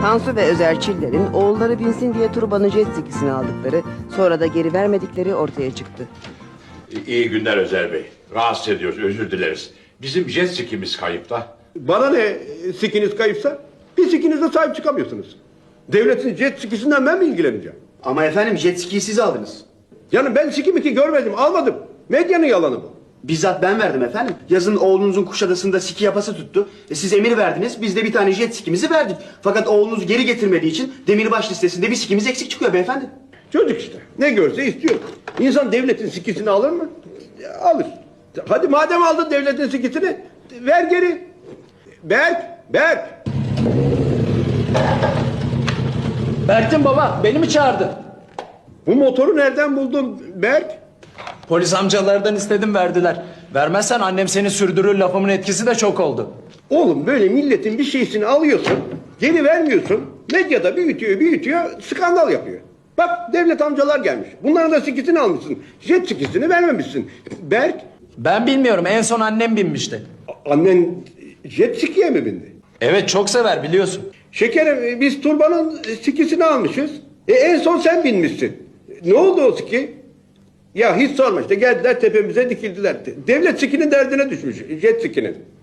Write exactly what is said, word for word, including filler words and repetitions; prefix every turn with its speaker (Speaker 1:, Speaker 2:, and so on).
Speaker 1: Tansu ve Özer Çiller'in oğulları binsin diye turbanın jet skisini aldıkları, sonra da geri vermedikleri ortaya çıktı.
Speaker 2: İyi günler Özer Bey. Rahatsız ediyoruz, özür dileriz. Bizim jet skimiz kayıp da.
Speaker 3: Bana ne sikiniz kayıpsa? Bir sikinize sahip çıkamıyorsunuz. Devletin jet skisinden ben mi ilgileneceğim?
Speaker 4: Ama efendim jet ski'yi siz aldınız.
Speaker 3: Yani ben siki miki görmedim, almadım. Medyanın yalanı bu.
Speaker 4: Bizzat ben verdim efendim. Yazın oğlunuzun Kuşadası'nda ski yapası tuttu. E, siz emir verdiniz, biz de bir tane jet skimizi verdik. Fakat oğlunuz geri getirmediği için demirbaş listesinde bir skimiz eksik çıkıyor beyefendi.
Speaker 3: Çocuk işte. Ne görse istiyor. İnsan devletin sikisini alır mı? Ya, alır. Hadi madem aldın devletin sikisini, ver geri. Berk, Berk.
Speaker 5: Berk'tim baba, beni mi çağırdın?
Speaker 3: Bu motoru nereden buldun Berk?
Speaker 5: Polis amcalardan istedim, verdiler. Vermezsen annem seni sürdürür lafımın etkisi de çok oldu.
Speaker 3: Oğlum böyle milletin bir şeysini alıyorsun, geri vermiyorsun. Medyada büyütüyor, büyütüyor, skandal yapıyor. Bak devlet amcalar gelmiş. Bunların da sikisini almışsın. Jet sikisini vermemişsin. Berk,
Speaker 5: Ben bilmiyorum, en son annem binmişti.
Speaker 3: a- annen jet sikiye mi bindi?
Speaker 5: Evet, çok sever biliyorsun.
Speaker 3: Şekerim biz turbanın sikisini almışız. E en son sen binmişsin. Ne oldu o siki? Ya hiç sorma işte geldiler tepemize dikildiler. Devlet sikinin derdine düşmüş jet sikinin.